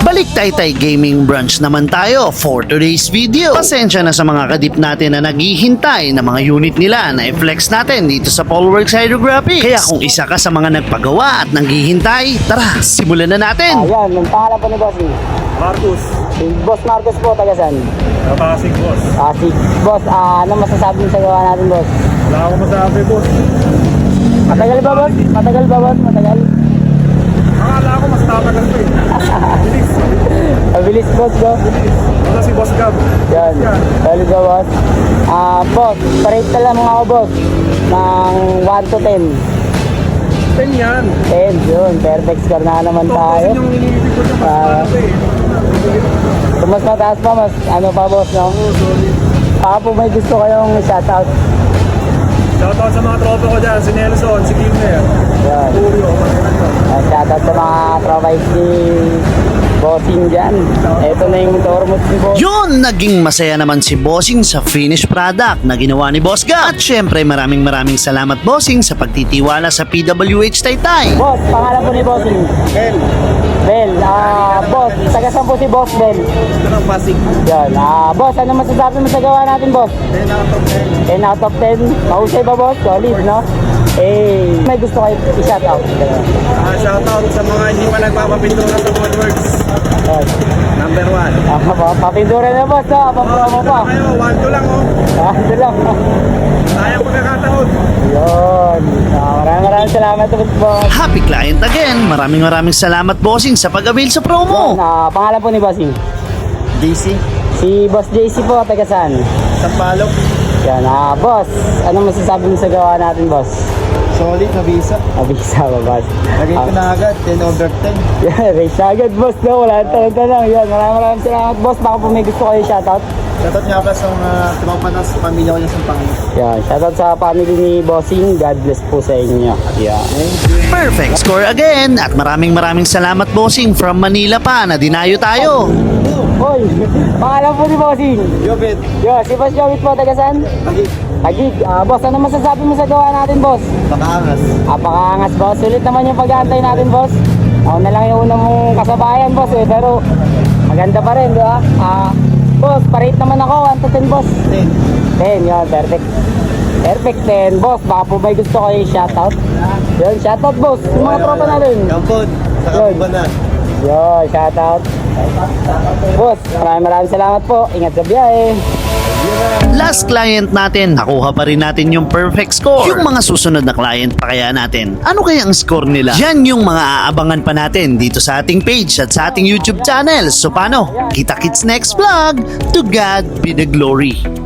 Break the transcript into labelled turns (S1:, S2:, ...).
S1: Balik Taytay Gaming Branch naman tayo for today's video. Pasensya na sa mga kadip natin na naghihintay na mga unit nila na i-flex natin dito sa Polworks Hydrographics. Kaya kung isa ka sa mga nagpagawa at naghihintay, tara, simulan na natin.
S2: Ayan, ang pangalan po ni Boss.
S3: Marcus,
S2: Si Boss Marcos po, taga saan?
S3: Pasig boss.
S2: Si Boss, ano masasabi mo sa gawa natin, Boss?
S3: Wala akong masabi boss.
S2: Matagal ba, Boss? Matagal ba, Boss? Matagal?
S3: Akala ko mas tatagal pa eh. Bilis.
S2: Mabilis, Boss, Boss.
S3: Wala si Boss Gab.
S2: Yan, solid ba, Boss? Boss, parate na lang ako, Boss. Ng 1 to 10.
S3: 10 yan.
S2: 10, yun. Perfect score na naman
S3: Ito
S2: tayo.
S3: kasi yung iniibig ko dyan mas tatagal eh.
S2: Kung mas mataas pa, mas ano pa, Boss, no? Baka po may gusto kayong shoutout.
S3: Shoutout sa mga tropa ko dyan. Si Nelson, si Kimmer.
S2: Yan.
S3: Julio,
S2: Shoutout sa mga provide ni Bossing dyan. Ito na yung Tormos ni Boss.
S1: Yun, naging masaya naman si Bossing sa finished product na ginawa ni Boss Gab. At syempre maraming salamat Bossing sa pagtitiwala sa PWH Taytay.
S2: Boss, pangalan po ni Bossing.
S3: Ben.
S2: Bel, boss, taga saan po si Boss Bel?
S3: Ito ng Pasig.
S2: Yan, boss, ano masasabi mo sa gawa natin, Boss?
S3: 10 out of
S2: 10
S3: 10.
S2: out of 10. Mahusay ba, Boss? Solid, no? May gusto kayo i-shoutout.
S3: Shoutout sa mga hindi pa nagpapapintura sa Polworks.
S2: Yan.
S3: Number 1.
S2: Papindura na, Boss, no? Papromo pa.
S3: Kayo, 1-2 lang oh.
S2: Ito lang.
S3: Sayang pagkakataon.
S2: Yun. Maraming salamat, Boss.
S1: Happy client again. Maraming salamat Bossing sa pag-avail sa promo.
S2: Pangalan po ni Bossing.
S3: DC.
S2: Si Boss JC po, taga saan?
S3: Sampalok.
S2: Yan, boss, ano masasabi mo sa gawa natin, boss?
S3: Solid na visa.
S2: Abisa ba, boss?
S3: Lagay ko na agad, 10 over 10.
S2: Yan, race na agad, boss, no? Wala tanong. Yan, maraming salamat, boss. Baka po may gusto kayo shoutout.
S3: Shoutout nga pa sa mga tumapanas sa pamilya ko niya sa Panginoon.
S2: Yan, shoutout sa family ni Bossing. God bless po sa inyo. Yan.
S1: Perfect score again. At maraming salamat Bossing from Manila pa na dinayo tayo.
S2: Hoy, pangalan po ni Bossing.
S3: Jobit.
S2: Yo, si Boss Jowit po, taga saan?
S3: Pagig.
S2: Tagig. Boss, ano masasabi mo sa gawa natin, boss?
S3: Pakaangas.
S2: Pakaangas, boss. Sulit naman yung pag-aantay natin, boss. Ako na lang yung unang mong kasabayan, boss, eh. Pero maganda pa rin, di ba? Boss, parate naman ako. 1 to 10, boss. 10, yun. Perfect. Perfect 10, boss. Baka po may gusto kayo shoutout. Yun, shoutout, boss. Yung mga tropa natin.
S3: Kampon. Sa
S2: Yun.
S3: Kapubanan.
S2: Yun, shoutout. Boss, maraming salamat po. Ingat sa biyahe.
S1: Last client natin, nakuha pa rin natin yung perfect score. Yung mga susunod na client pa kaya natin, ano kaya ang score nila? Yan yung mga aabangan pa natin dito sa ating page at sa ating YouTube channel. So paano? Kita-kits next vlog. To God be the glory.